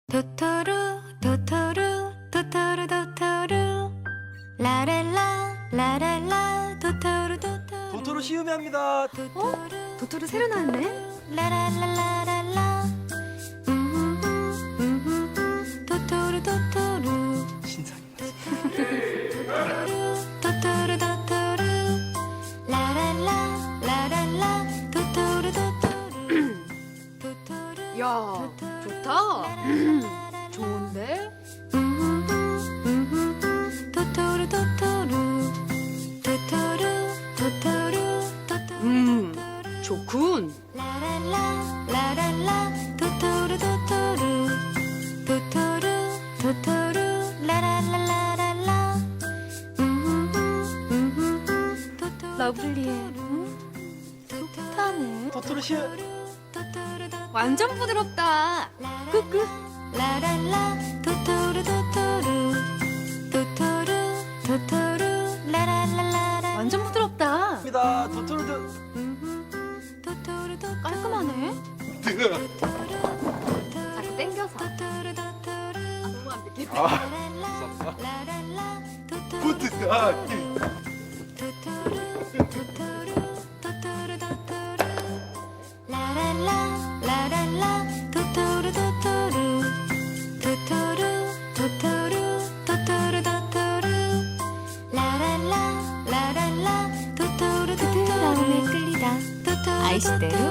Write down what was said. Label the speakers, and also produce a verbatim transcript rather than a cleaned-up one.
Speaker 1: 토토루 토토루 토토루 토토루 라렐라 라렐라 토토루 토토루
Speaker 2: 도토로 시음이 합니다.
Speaker 1: 토토루
Speaker 3: 도토로 새로 나왔네?
Speaker 1: 라랄라라랄라 음흠흠, 음흠흠, 토토루 토토루
Speaker 2: 신상이다.
Speaker 1: 토토루 토토루 라랄라 라랄라 토토루 토토루 토토루
Speaker 3: 야, 좋다. 좋은데?
Speaker 1: 토토루 토토루 토토루 토토루 토토루
Speaker 3: 음, 좋군.
Speaker 1: 라랄라 라랄라 토토루 토토루 토토루 토토루 라랄라라랄라 토토루
Speaker 3: 러블리해.
Speaker 1: 풋풋하네
Speaker 2: 도토로 시음.
Speaker 1: 토토루
Speaker 3: 완전 부드럽다. 끄끄.
Speaker 1: 라랄라 토토루 토토루 토토루 토토루 라랄라라라
Speaker 3: 완전 부드럽다.
Speaker 2: 합니다. 도토로 도.
Speaker 1: 토토루 토토루
Speaker 3: 깔끔하네.
Speaker 1: 토토루
Speaker 3: 자꾸 땡겨서.
Speaker 1: 토토루 토토루
Speaker 3: 아, 너무 안 느끼네.
Speaker 2: 아,
Speaker 1: 라랄라 라랄라 토토루
Speaker 2: 부드. 아,
Speaker 1: 토토루 토토루 토토루 토토루 라랄라 라랄라 토토루 토토루 토토루 토토루 토토루 토토루 라랄라 라랄라 토토루 토토루 마음에 끌리다 토토루
Speaker 3: 아이시대로